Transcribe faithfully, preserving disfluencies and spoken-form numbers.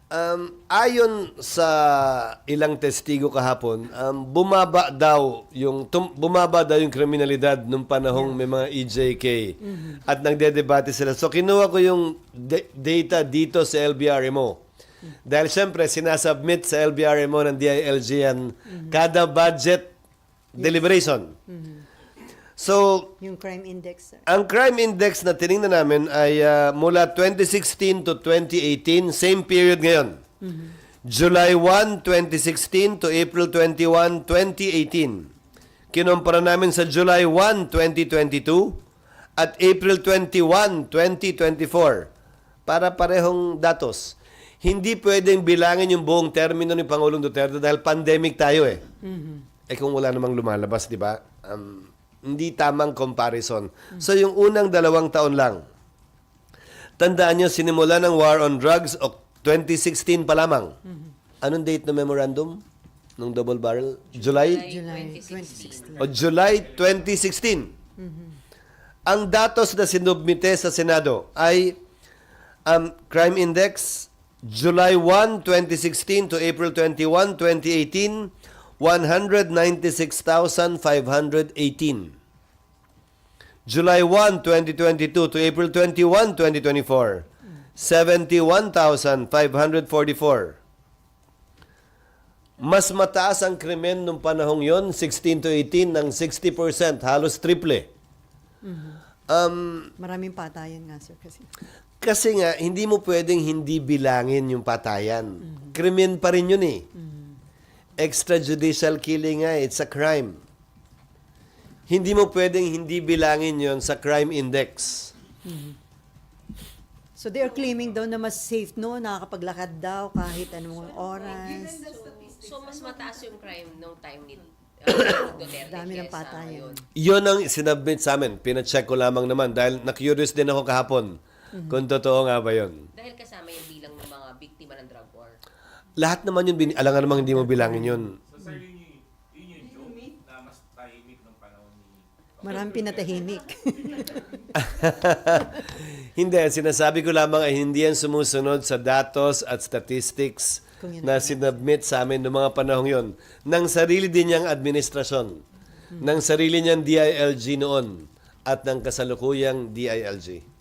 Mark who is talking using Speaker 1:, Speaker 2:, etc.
Speaker 1: Um, ayon sa ilang testigo kahapon, um, bumaba daw yung tum, bumaba daw yung kriminalidad nung panahong may mga E J K
Speaker 2: Mm-hmm.
Speaker 1: at nagdedebate sila. So kinuha ko yung de- data dito sa L B R M O. Dahil siyempre sinasubmit sa L B R M O ng D I L G yan kada budget deliberation. So,
Speaker 2: Yung crime index, sir.
Speaker 1: ang crime index na tiningnan namin ay ah, mula twenty sixteen to twenty eighteen, same period ngayon. July first, twenty sixteen to April twenty-first, twenty eighteen. Kinumpara namin sa July first, twenty twenty-two at April twenty-first, twenty twenty-four para parehong datos. Hindi pwedeng bilangin yung buong termino ni Pangulong Duterte dahil pandemic tayo eh. Eh kung wala namang lumalabas, di ba? Um, hindi tamang comparison. So yung unang dalawang taon lang, tandaan nyo, sinimula ng war on drugs o twenty sixteen pa lamang. Anong date ng memorandum? Nung double barrel? July?
Speaker 2: July twenty sixteen.
Speaker 1: O July twenty sixteen. Ang datos na sinubmite sa Senado ay um, crime index July first, twenty sixteen to April twenty-first, twenty eighteen, one hundred ninety-six thousand five hundred eighteen. July first, twenty twenty-two to April twenty-first, twenty twenty-four, seventy-one thousand five hundred forty-four. Mas mataas ang krimen nung panahong yon, sixteen to eighteen, ng sixty percent, halos triple. Um,
Speaker 2: Maraming patayan nga, sir, kasi.
Speaker 1: kasi nga, hindi mo pwedeng hindi bilangin yung patayan. Krimen pa rin yun eh. Extrajudicial killing nga, it's a crime. Hindi mo pwedeng hindi bilangin yon sa crime index.
Speaker 2: So they are claiming daw na mas safe no, nakakapaglakad daw kahit anong oras.
Speaker 3: So, mas mataas yung crime nung time ni uh, Duterte
Speaker 2: Dami ng
Speaker 3: kesa
Speaker 2: patayan.
Speaker 3: ngayon.
Speaker 1: Yun ang sinubmit sa amin. Pina-check ko lamang naman dahil na-curious din ako kahapon kung totoo nga ba yun.
Speaker 3: Dahil kasama yung bilang ng mga biktima ng drug war.
Speaker 1: Lahat naman yun, bin- alangan namang hindi mo bilangin yun.
Speaker 4: So sir, yun yung, yun yung joke na mas tahimik ng panahon ni...
Speaker 2: Maraming pinatahimik.
Speaker 1: Hindi, ang sinasabi ko lamang ay hindi yan sumusunod sa datos at statistics
Speaker 2: Kung yun
Speaker 1: na
Speaker 2: ang-
Speaker 1: sinubmit sa amin noong mga panahong yon ng sarili din niyang administrasyon, ng sarili niyang D I L G noon at ng kasalukuyang D I L G.